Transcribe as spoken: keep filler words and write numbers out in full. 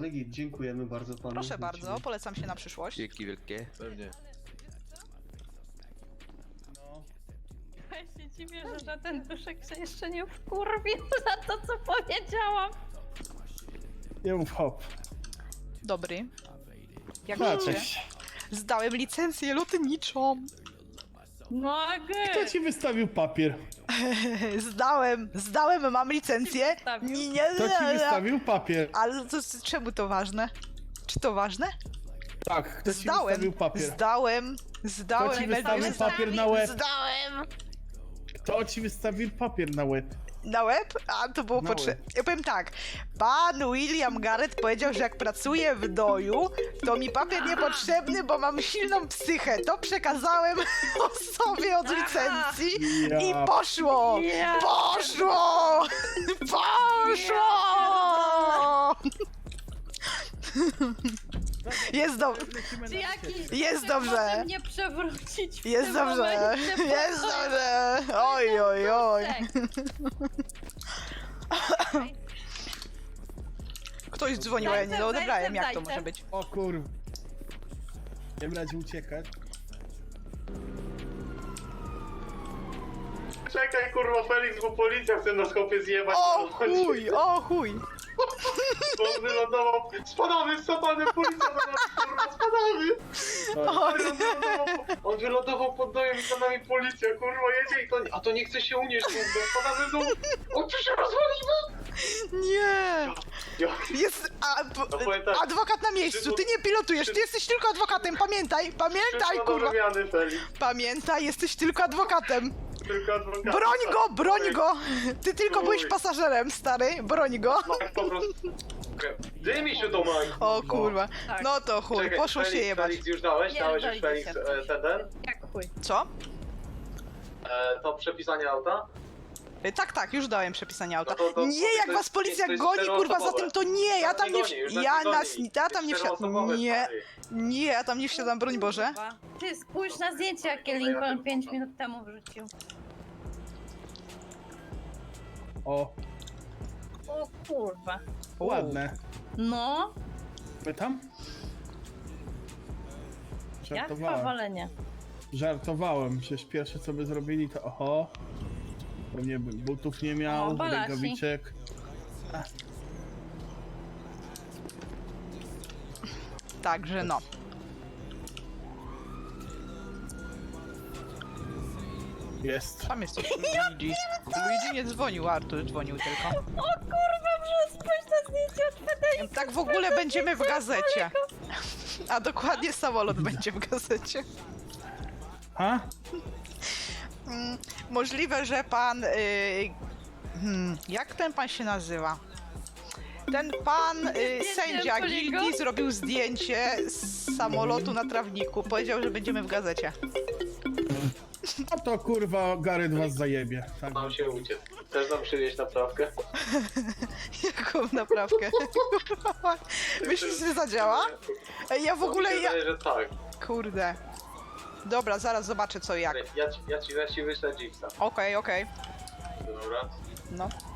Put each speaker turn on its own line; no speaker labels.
Ale git, dziękujemy bardzo panu.
Proszę bardzo, polecam się na przyszłość.
Dzięki wielkie.
Pewnie.
No.
Ja się dziwię, że żaden duszek się jeszcze nie wkurwił za to, co powiedziałam.
Nie mów hop.
Dobry. Jak
No,
wiecie,
cześć.
zdałem licencję lotniczą.
Mogę!
Kto ci wystawił papier?
Zdałem, zdałem, mam licencję.
wystawił?
Nie, nie,
Kto ci wystawił papier?
Ale to, czemu to ważne? Czy to ważne?
Tak, kto ci
Zdałem,
wystawił papier?
zdałem, zdałem.
Kto ci
Melvin,
wystawił papier na łeb?
Zdałem.
Kto ci wystawił papier na łeb?
Na łeb? A to było
Na
potrzebne.
łeb.
Ja powiem tak. Pan William Garrett powiedział, że jak pracuję w doju, to mi papier niepotrzebny, bo mam silną psychę. To przekazałem osobie od licencji
Ja.
i poszło!
Ja.
Poszło! Poszło! Jest dobrze.
Czy jakiś
Jest
duszek
dobrze.
może mnie przewrócić w
Jest
tym
dobrze.
momencie?
Jest dobrze. Oj, oj, oj.
Duszek.
Ktoś dzwonił, a ja nie
Dajcie,
odebrałem.
dajcie,
Jak to
dajcie.
może być?
O kurwa. Nie radzie uciekać.
Czekaj kurwa Felix, bo policja chce na skopie zjebać.
O chuj, o chuj.
Bo on wylądował. Spadamy, spadamy, policja na nas kurwa, spadamy.
O,
On wylądował, on wylądował pod dojem i za nami policja, kurwa jedzie i to, a to nie chce się unieść, kurwa, spadamy w dół. O, tu się rozwalimy!
nie.
Ja,
Jest a,
No powiem tak,
adwokat na miejscu. Ty nie pilotujesz, ty jesteś tylko adwokatem. Pamiętaj, pamiętaj,
wszystko do
kurwa.
wymiany, Felix.
Pamiętaj, jesteś tylko adwokatem.
Tylko adwokat.
Broń go, broń go. Ty tylko
Chuj.
byłeś pasażerem, stary. Broń go.
Tak po prostu. Dymi się do maj.
O kurwa.
Tak.
No to chuj,
Czekaj,
poszło
Felix,
się jebać.
Felix już dałeś?
Nie,
Dałeś już
daliście
Felix
się.
e, ten, ten?
Jak chuj.
Co?
E, to przepisanie auta?
Y, Tak, tak, już dałem przepisanie auta.
No to- to-
Nie,
to
jak
jest-
was policja
to jest
goni, kurwa, za
czteroosobowe.
tym to nie, ja
Nas
tam
nie
nie
goni, już
wsi-
nas
ja
nie goni.
nas, ja tam nie wsiadam,
Czteroosobowe,
nie,
stary.
nie, ja tam nie wsiadam, broń Boże.
Kurwa. Ty spójrz na zdjęcie, jakie Lincoln pięć minut temu wrzucił.
O,
O kurwa.
ładne.
No,
My tam?
jak
Żartowałem.
powolenie.
Żartowałem. Przecież pierwsze co by zrobili to oho. Pewnie bym butów nie
O,
miał,
balasi.
rękawiczek.
Także no.
Jest.
Tam jest coś Luigi. Luigi nie dzwonił, Artur dzwonił tylko.
O kurwa, że spójrz na zdjęcie od Fedeli.
Tak w ogóle będziemy w gazecie. A dokładnie samolot będzie w gazecie.
Ha?
Mm, możliwe, że pan... Y, hmm, jak ten pan się nazywa? Ten pan y, sędzia
Poligon?
gildii zrobił zdjęcie z samolotu na trawniku. Powiedział, że będziemy w gazecie.
No to kurwa Gareth was zajebie. Tak.
Mam się uciec. Chcesz nam przywieźć naprawkę?
Jaką naprawkę? Myślisz, że zadziała? Ej, ja w ogóle...
Mi się
Ja...
wydaje, że tak.
Kurde. Dobra, zaraz zobaczę co jak.
Ja ci, ja ci, ja ci wyślę Jeepsa.
Okej, okej.
Dobra.
No.